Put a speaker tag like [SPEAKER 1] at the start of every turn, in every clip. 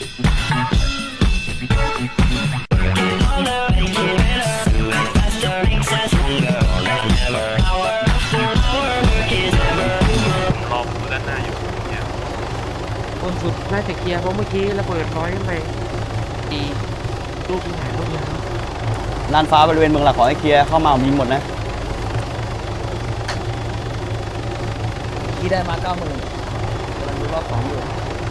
[SPEAKER 1] รอประตูด้านหน้าอยู่เนี่ย
[SPEAKER 2] คนสุดน่าจะเคลียร์เพราะเมื่อกี้ระเบิดร้อยขึ้นไปดีลูกที่ไหนลูกยาว
[SPEAKER 3] ลานฟ้าบริเวณเมืองหลักขอให้เคลียร์เข้ามามีหมดนะ
[SPEAKER 4] ที่ได้มา90,000กำลังดูรอบ2อยู่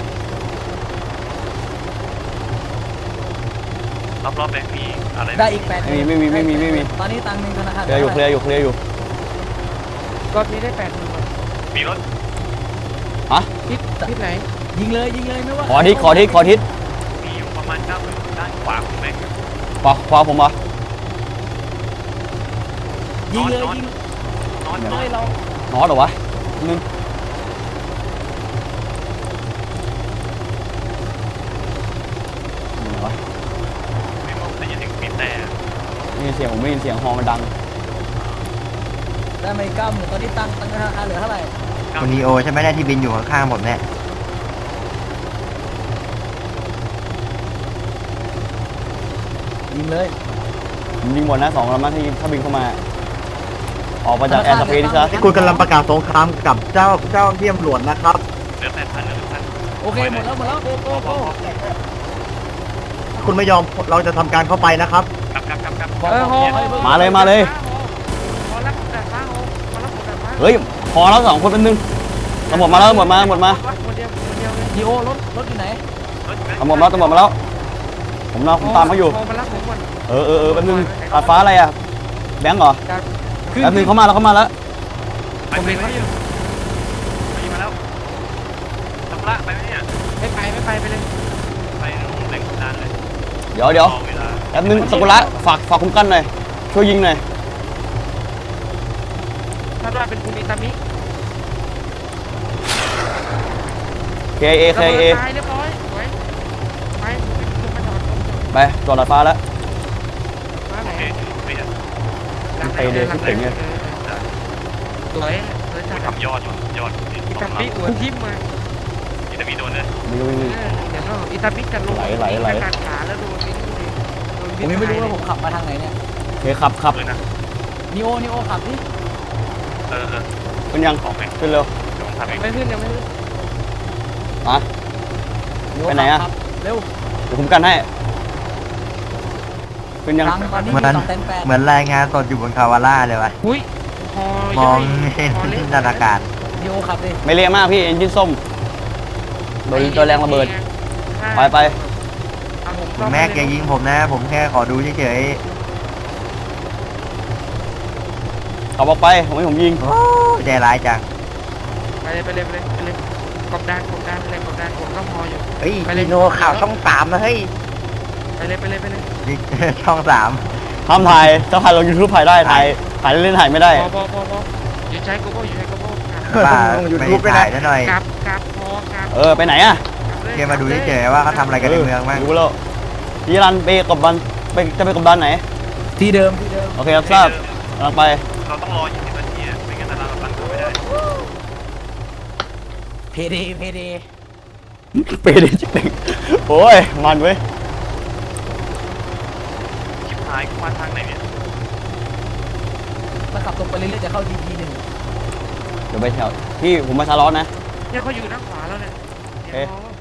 [SPEAKER 1] รอบแบงค์มีอะไร
[SPEAKER 4] ได้อีก8
[SPEAKER 3] ไม่มี
[SPEAKER 4] ตอนนี้ตังค์ในธนาคาร
[SPEAKER 3] เคลียร์อยู่
[SPEAKER 2] รอบนี้ได้8,000
[SPEAKER 1] มีรถ
[SPEAKER 3] ฮะ
[SPEAKER 2] ทิศไหน
[SPEAKER 4] ยิงเลยไม่ว่า
[SPEAKER 3] ขอทิศ
[SPEAKER 1] มีอยู่ประมาณ90,000ด้านขวาของแบงค์
[SPEAKER 3] ขวาผมเหรอ
[SPEAKER 4] ยิงเลยยิง
[SPEAKER 1] นอน
[SPEAKER 4] เลยเรา
[SPEAKER 3] นอตเหรอวะนึงไหนวะ
[SPEAKER 1] ไม่มองแต่ยังถึงมีแต่
[SPEAKER 3] ไม่ยินเสียงผมไม่ยินเสียงฮอมันดัง
[SPEAKER 4] ได้มาอีก90,000ตอนนี้ตังค์ธนาคารเหลือเท่าไหร่
[SPEAKER 5] คุณนีโอใช่ไหมเนี่ยที่บินอยู่ข้างๆผมเนี่ย
[SPEAKER 4] ยิงเลย
[SPEAKER 3] ผมยิงหมดนะ2ลำนะที่ถ้าบินเข้ามาออกมาจากแอร์สเปซนี่ซะ
[SPEAKER 5] ที่คุณกำลังประกาศสงครามกับเจ้าที่ตำรวจนะครับ
[SPEAKER 1] เหลือ8,000
[SPEAKER 4] โอเคหมดแล้วโก้
[SPEAKER 5] คุณไม่ยอมเราจะทำการเข้าไปนะครับ
[SPEAKER 1] กลับ
[SPEAKER 2] ฮอ
[SPEAKER 3] มาเลย
[SPEAKER 2] ฮอรับแต่ฟ้าฮอรับแต่ฟ้า
[SPEAKER 3] เฮ้ยพอแล้ว2คนเป็นหนึ่งตำรวจมาแล้วหมดมา
[SPEAKER 2] คนเดียวเลย
[SPEAKER 4] ดีโอรถอยู่ไหน
[SPEAKER 3] ตำรวจมาแล้วผมตามเขาอยู่
[SPEAKER 2] ฮอมารับผมก่อน
[SPEAKER 3] แป๊บนึงตัดฟ้าอะไรอ่ะแบงค์เหรอ
[SPEAKER 2] จาก
[SPEAKER 3] แป๊บนึงเข้ามาแล้ว
[SPEAKER 1] ไปอยู่มาแล้วทำละไปไหมเนี่ย
[SPEAKER 2] ไม่ไปเลย
[SPEAKER 1] ไปแหล่งนานเลย
[SPEAKER 3] เดี๋ยวแป๊บนึงสกุละฝากคุ้มกันหน่อยช่วยยิงหน่อย
[SPEAKER 2] ถ้าว่าเป็นคุณอิตามิ
[SPEAKER 3] KA
[SPEAKER 2] ตายเรียบร้อยไว้ไปมาจอด
[SPEAKER 3] ไปจอดตัดฟ้าแล้ว
[SPEAKER 2] ฟ้าไหน
[SPEAKER 1] โอเคเปลี่ยน
[SPEAKER 2] สวยจัด
[SPEAKER 1] ทำยอดยอด
[SPEAKER 2] อิตามิหัวทิ่มมา
[SPEAKER 1] อิตาลีโดนเลย
[SPEAKER 3] วิ่ง
[SPEAKER 2] เดี๋ยวอิตามิจะลงการขาแล้วโดน
[SPEAKER 4] ผมยังไม่รู้ว่าผมขับมาทางไหนเนี่ย
[SPEAKER 3] โอเคขับ
[SPEAKER 1] เลยนะ
[SPEAKER 4] นีโอขับดิ
[SPEAKER 3] ขึ้นยัง
[SPEAKER 1] ของไหม
[SPEAKER 3] ขึ้นเร็ว
[SPEAKER 1] เดี๋ยวผมทำเอง
[SPEAKER 2] ไม่ขึ้นยังไม่ขึ้น
[SPEAKER 3] มา ไปไหนอะ
[SPEAKER 4] เร็ว
[SPEAKER 3] เดี๋ยวคุ้มกันให้ขึ้นยัง
[SPEAKER 4] ตังค์ตอนนี้
[SPEAKER 5] เหมื
[SPEAKER 4] มี
[SPEAKER 5] อน
[SPEAKER 4] 2 800,000
[SPEAKER 5] เหมือนรายงานสดอยู่บนคาวาร่าเลยวะ
[SPEAKER 2] หุ้ย
[SPEAKER 5] มองเห็นบรรยากาศ
[SPEAKER 4] นีโอขับดิ
[SPEAKER 3] ไม่เละมากพี่เอนจินส้มโดนแรงระเบิดไป
[SPEAKER 5] คุณแม่แกยิงผมนะ ผมแค่ขอดูเฉย
[SPEAKER 3] ขับออกไปผมให้ผมยิง
[SPEAKER 5] ๆโอ้ใจร้ายจัง
[SPEAKER 2] ไปเลยกบดานผมก็พออยู่
[SPEAKER 5] เฮ้ยนีโนข่าวช่อง3นะเฮ้ย
[SPEAKER 2] ไปเลย
[SPEAKER 5] ช่อง3
[SPEAKER 3] ห้ามถ่ายถ้าถ่ายลง YouTube ถ่ายได้ถ่ายเล่นถ่ายไม่ได้
[SPEAKER 2] พออยู่ใช้โกโบ
[SPEAKER 5] บ้าไม่ได้ถ่ายซะหน่อย
[SPEAKER 2] กลับพอ
[SPEAKER 3] ไปไหนอะ
[SPEAKER 5] แกมาดูเฉยๆว่าเขาทำอะไรกันในเมืองบ้าง
[SPEAKER 3] รู้แล้วพี่รันไปกบดันจะไปกบดันไหน
[SPEAKER 4] ที่เดิม
[SPEAKER 3] โอเคครับทราบกำลังไป
[SPEAKER 1] เราต้องรอ20 นาทีไม่งั้นเราปั่นเข้าไม่ได้
[SPEAKER 4] เพเด
[SPEAKER 3] ไปดิจิ๊บโอ้ยมันเว้ย
[SPEAKER 1] ชิบหายกูมาทางไหนเนี่ย
[SPEAKER 4] ถ้าขับตรงไปเรื่อยๆจะเข้า DP1
[SPEAKER 3] เดี๋ยวไปแถวพี่ผมมาชาร์ลอสนะ
[SPEAKER 2] เนี่ยเขาอยู่ด้านขวาแล้วเนี่ย